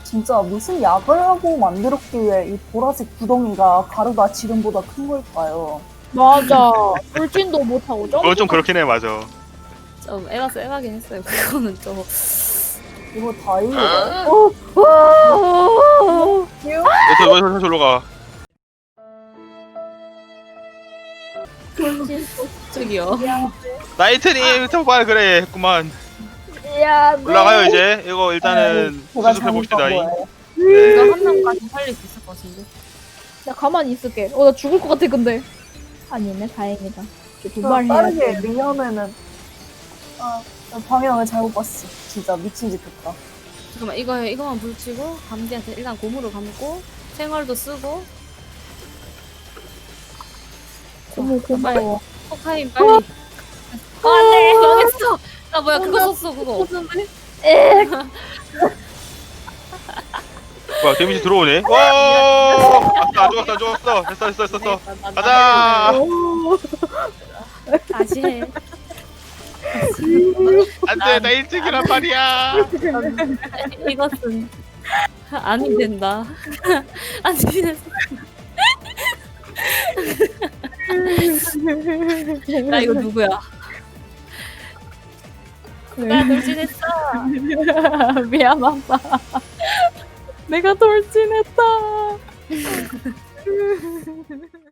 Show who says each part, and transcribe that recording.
Speaker 1: 진짜 무슨 약을 하고 만들었기에 이 보라색 구덩이가 가루가 지름보다 큰 걸까요?
Speaker 2: 맞아. 돌진도 못하고 점프.
Speaker 3: 그건 좀 그렇긴 해, 맞아.
Speaker 4: 좀 애가긴 했어요. 그거는 좀.
Speaker 1: 이거 다이어가
Speaker 3: 왜 저로 가?
Speaker 2: 돌진.
Speaker 4: 저기요.
Speaker 3: 나이트님, 정말 그래, 했구만.
Speaker 2: 야,
Speaker 3: 올라가요, 이제. 이거 일단은
Speaker 1: 제가
Speaker 3: 수습해봅시다.
Speaker 1: 잘못한 거예요.
Speaker 3: 네.
Speaker 4: 이거 한 명까지 살릴 수 있을 것 같은데.
Speaker 2: 나 가만히 있을게. 나 죽을 것 같아 근데. 아니네, 다행이다. 두발 해야
Speaker 1: 빠르게
Speaker 2: 돼.
Speaker 1: 리면에는 나 방향을 잘못 봤어. 진짜 미친 짓 했다.
Speaker 4: 잠깐만 이거만 불치고 감지한테 일단 고무로 감고 생얼도 쓰고
Speaker 2: 너무 고마워.
Speaker 4: 포카인 빨리. 안돼 망했어. 아 뭐야 그거 썼어 그거.
Speaker 3: 뭐야, 데미지 들어오네? 와! 안 죽었어. 됐어. 가자!
Speaker 4: 다시 해.
Speaker 3: 안 돼, 나 일찍이란 말이야!
Speaker 4: 이것은 아니 된다. 안 되는. 나 이거 누구야? 나 돌진했어.
Speaker 2: 미안하다. 내가 돌진했다.